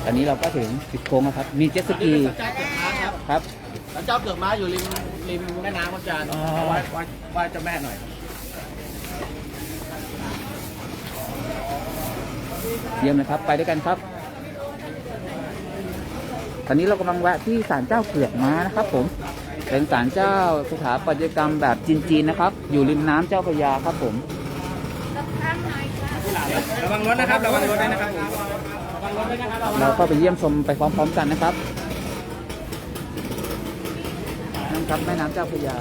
ตอนนี้เราก็ถึงจุดโค้งแล้วครับมีเจ็ตสกีศาลเจ้าเกือกม้าครับครับศาลเจ้าเกือกม้าอยู่ริมแม่น้ำครับอาจารย์เอาไว้เจ้าแม่หน่อยเยี่ยมนะครับไปด้วยกันครับตอนนี้เรากำลังแวะที่ศาลเจ้าเกือกม้านะครับผมเป็นศาลเจ้าสถาปัตยกรรมแบบจีนๆนะครับอยู่ริมน้ำเจ้าพระยาครับผมระวังรถนะครับระวังรถด้วยนะครับผมระวังรถด้วยนะครับเราก็ไปเยี่ยมชมไปพร้อมๆกันนะครับนั่นครับแม่น้ำเจ้าพระยา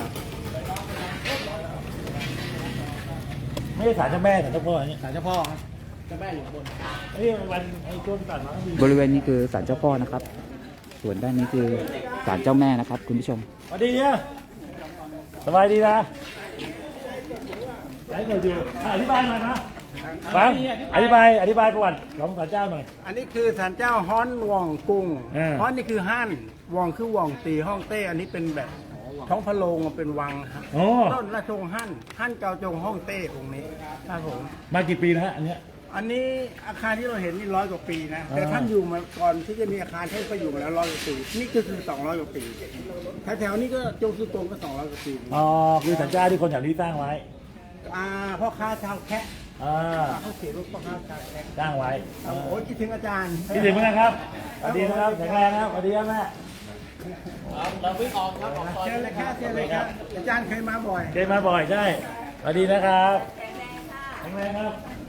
ไม่ใช่ศาลเจ้าแม่ศาลเจ้าพ่อนี่ศาลเจ้าพ่อครับเจ้าแม่อยู่บนนี่วันไอ้ช่วงตัดมาก็มีบริเวณนี้คือศาลเจ้าพ่อนะครับ ส่วนด้านนี้คือศาลเจ้าแม่นะครับคุณผู้ชมสวัสดีเนี่ยสบายดีนะไหนเกิดอยู่อธิบายหน่อยนะฟังอธิบายประวัติของศาลเจ้าหน่อยอันนี้คือศาลเจ้าฮ้อนว่องกุ้ง ฮ้อนนี่คือฮั่นว่องคือว่องตีห้องเต้ อันนี้เป็นแบบท้องพระโรงเป็นวังครับโอ้ต้นราชวงศ์ฮั่นเกาจงห้องเต้องค์นี้ครับผมมากี่ปีนะฮะอันเนี้ยอันนี้อาคารที่เราเห็นนี่100 กว่าปีนะ แต่ท่านอยู่มาก่อนที่จะมีอาคารท่านก็อยู่มาแล้ว100 กว่าปี นี่ก็คือ200 กว่าปีแถวๆนี้ก็จงสุตงก็200 กว่าปีอ๋อคือศาลเจ้าที่คนแถวนี้สร้างไว้พ่อค้าชาวแคะอ่าเขาเขียนว่าพ่อค้าชาวแคะสร้างไว้โอ้ยคิดถึงอาจารย์คิดถึงเหมือนกันครับสวัสดีนะครับแข็งแรงนะครับสวัสดีครับแม่เราวิ่งออกครับออกซอยเชิญเลยครับเชิญเลยครับ อาจารย์เคยมาบ่อยเดินมาบ่อยใช่สวัสดีนะครับแข็งแรงครับ